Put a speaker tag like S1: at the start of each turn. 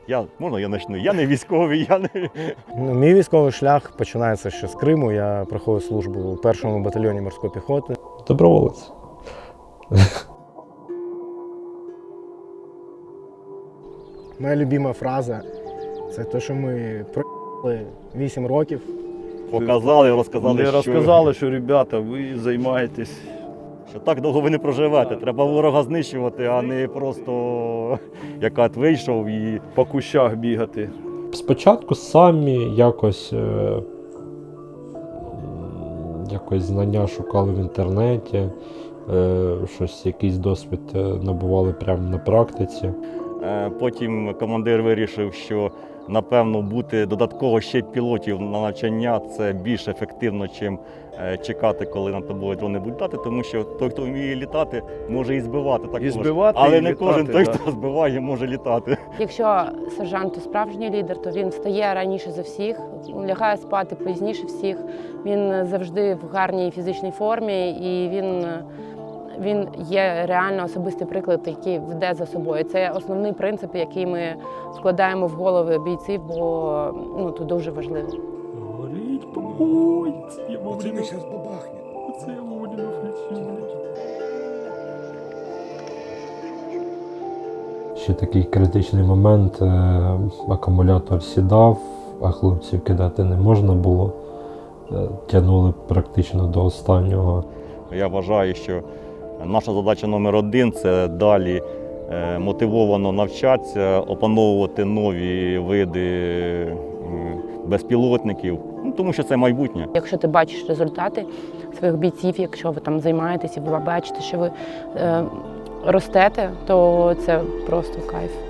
S1: Можна я почну? Я не військовий, я не...
S2: Мій військовий шлях починається ще з Криму. Я проходив службу у 1-му батальйоні морської піхоти.
S3: Доброволець.
S2: Моя любима фраза – це те, що ми проїхали 8 років.
S1: Показали, розказали,
S4: Не розказали, що, ребята, ви займаєтесь.
S1: що так довго ви не проживете. Треба ворога знищувати, а не просто як от вийшов і...
S4: По кущах бігати.
S3: Спочатку самі якось знання шукали в інтернеті, якийсь досвід набували прямо на практиці.
S1: Потім командир вирішив, що, напевно, бути додатково ще пілотів на навчання – це більш ефективно, ніж чекати, коли над тобою дрони будуть літати, тому що той, хто вміє літати, може і збивати також.
S4: І збивати,
S1: але
S4: і
S1: не
S4: літати,
S1: кожен той,
S4: да.
S1: хто збиває, може літати.
S5: Якщо сержант справжній лідер, то він встає раніше за всіх, лягає спати пізніше всіх. Він завжди в гарній фізичній формі і він є реально особистий приклад, який веде за собою. Це основний принцип, який ми вкладаємо в голови бійців, бо це дуже важливо.
S4: Горить, помоється, я
S2: Оце ми зараз бабахне.
S4: Оце я вовремя включив.
S3: Ще такий критичний момент, акумулятор сідав, а хлопців кидати не можна було. Тягнули практично до останнього.
S1: Я вважаю, що наша задача номер один – це далі мотивовано навчатися, опановувати нові види безпілотників, тому що це майбутнє.
S5: Якщо ти бачиш результати своїх бійців, якщо ви там займаєтеся, ви бачите, що ви ростете, то це просто кайф.